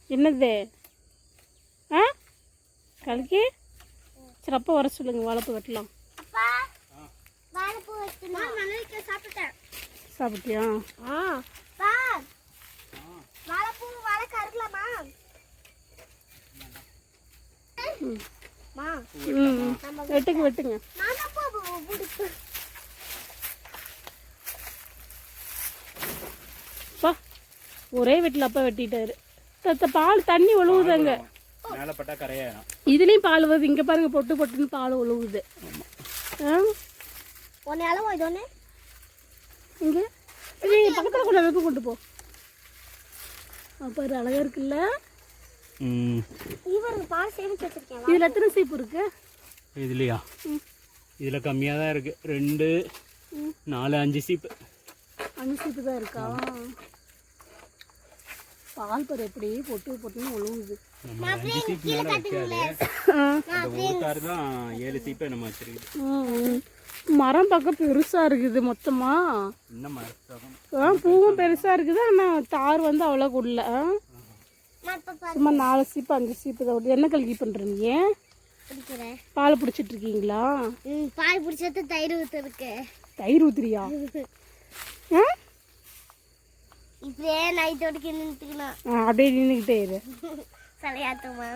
என்னது ஆ கல்கி சரி அப்பா வர சொல்லுங்க வாழைப்பூ வெட்டலாம். சாப்பிட்டியா? வெட்டுங்க வெட்டுங்க. ஒரே வீட்டில் அப்பா வெட்டிட்டாரு. பால் தண்ணி ஒழுகுதாங்க. இதுலயும் பால் வருது. இங்க பாருங்க பொட்டு பொட்டுன்னு பால் ஒழுகுது. இங்க பக்கத்துல கொண்டு வெப்ப கொண்டு போ. பாரு அழகா இருக்குல்ல. இதுல எத்தனை சீப்பு இருக்கு? இதுலையா? இதுல கம்மியா தான் இருக்கு. 2 4 5 சீப்பு. 5 சீப்பு தான் இருக்கா? பால் பாரு எப்படி பொட்டு பொட்டுன்னு ஒழுகுது. 5 சீப்பு மேல வைக்காது. ஒரு கார் தான் 7 சீப்பு நம்ம வச்சிருக்கு. மரம் பக்கம் பெருசா இருக்குது மொத்தமா. பூவும் பெருசா இருக்குது. ஆனா தார் வந்து அவ்வளோ குடல. சும்மா 4 சீப்பு 5 சீப்பு தான். என்ன கல்கி பண்றீங்க? பால் பிடிச்சிட்டு இருக்கீங்களா? பால் பிடிச்சது தயிர் ஊத்துருக்கு. தயிர் ஊத்துறியா? இப்படியே நைட்டோட நின்றுக்கணும். அப்படியே நின்றுக்கிட்டே இரு. தலையாட்டுமா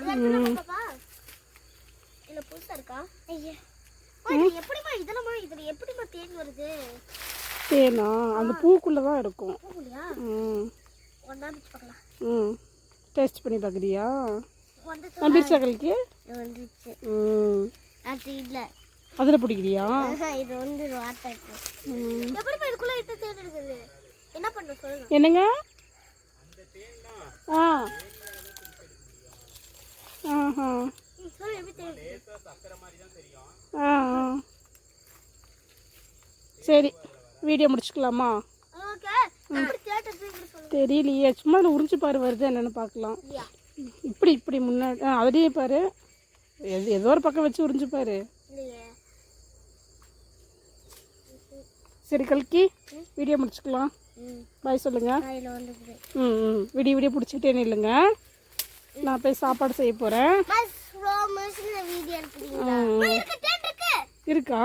இல்ல புதுசா இருக்கா? ஐயா எப்படிமா இதெல்லாம் இதுல எப்படிமா தேன் வருது? தேனா அந்த பூக்குள்ளதான் இருக்கும். பூக்குள்ளயா? ஒண்ணா பிச்சு பார்க்கலாம். டேஸ்ட் பண்ணி பார்க்கறியா? வந்துச்சா கல்கி? வந்துச்சு. அது இல்ல. அதுல பிடிக்கிறியா? இது வந்து வாட்டர். எப்படிமா இதுக்குள்ள இத்த தேன் இருக்குது? என்ன பண்ண சொல்லுங்க. என்னங்க? அந்த தேன் தான். சொல்ல எப்படி தேன்? லேசா சக்கரை மாதிரி தான் தெரியும். சரி வீடியோ முடிச்சுக்கலாமா? ஓகே. எப்படி தேன் சொல்லுங்க. தெரியலையே. சும்மா அதில் உறிஞ்சு பாரு வருது என்னன்னு பார்க்கலாம். இப்படி இப்படி முன்னாடி அதுலேயே பாரு. ஏதோ ஒரு பக்கம் வச்சு உறிஞ்சு பாரு. சரி கல்கி வீடியோ முடிச்சுக்கலாம். பாய் சொல்லுங்க. விடிய விடிய பிடிச்சிட்டே இல்லைங்க. நான் போய் சாப்பாடு செய்ய போகிறேன். இருக்கா?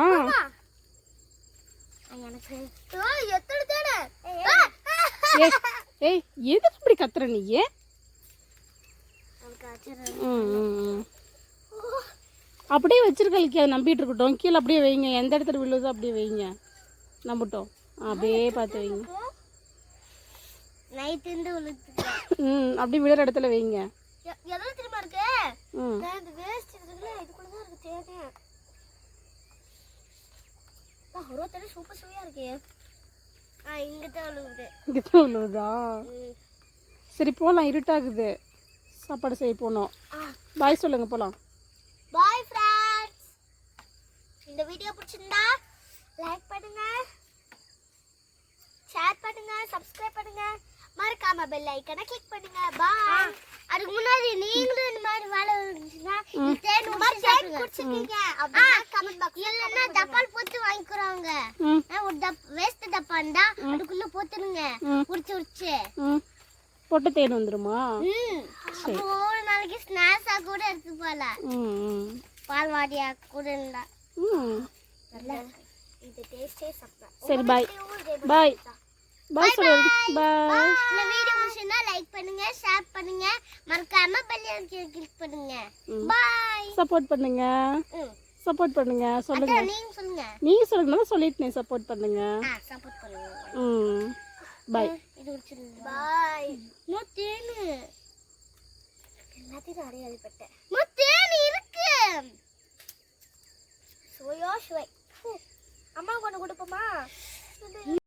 ஏய் எதுக்கு இப்படி கத்துற நீ? அப்படியே வச்சிருக்கலுக்கு அதை நம்பிட்டு இருக்கட்டும். கீழே அப்படியே வைங்க. எந்த இடத்துல விழுதோ அப்படியே வைங்க. நம்பட்டும். அப்படியே பார்த்து வைங்க. அப்படி விழுற இடத்துல வைங்க. இங்கதான் விழுவுதா? சரி போலாம். இருட்டாகுது. சாப்பாடு செய்ய போனோம். பாய் சொல்லுங்க. போலாம். Bye friends. இந்த வீடியோ பிடிச்சிருந்தா லைக் பண்ணுங்க, ஷேர் பண்ணுங்க, சப்ஸ்கிரைப் பண்ணுங்க, மறக்காம பெல் ஐகானை கிளிக் பண்ணுங்க. பாய். அதுக்கு முன்னாடி நீங்களும் இந்த மாதிரி வேலை இருந்துச்சுன்னா தேன் குடிச்சிருக்கீங்க அப்படின்னா கமெண்ட் பாக்ஸ் இல்லைன்னா டப்பால் போட்டு வாங்கிக்கிறாங்க. ஒரு வேஸ்ட் டப்பா இருந்தா அதுக்குள்ள போட்டுருங்க. உரிச்சு போட்டு தேன் வந்துருமா? ஒரு நாளைக்கு ஸ்நாக்ஸா கூட எடுத்து போகலாம். பால்வாடியா கூட இருந்தா இது டேஸ்டே சாப்பிடலாம். சரி பாய். பாய் பாய் சொல்லுங்க. பாய். இந்த வீடியோ பிடிச்சிருந்தா லைக் பண்ணுங்க, ஷேர் பண்ணுங்க, மறக்காம பெல் ஐகானை கிளிக் பண்ணுங்க. பாய். சப்போர்ட் பண்ணுங்க. சப்போர்ட் பண்ணுங்க. சொல்லுங்க. நீங்க சொல்லுங்க. நீங்க சொல்லுங்க. நான் சொல்லிட்டேன். சப்போர்ட் பண்ணுங்க. சப்போர்ட் பண்ணுங்க. பாய். இது பிடிச்சிருந்தா பாய். நோ தேனு எல்லாத்தையும் அடையாளப்பட்டேன்.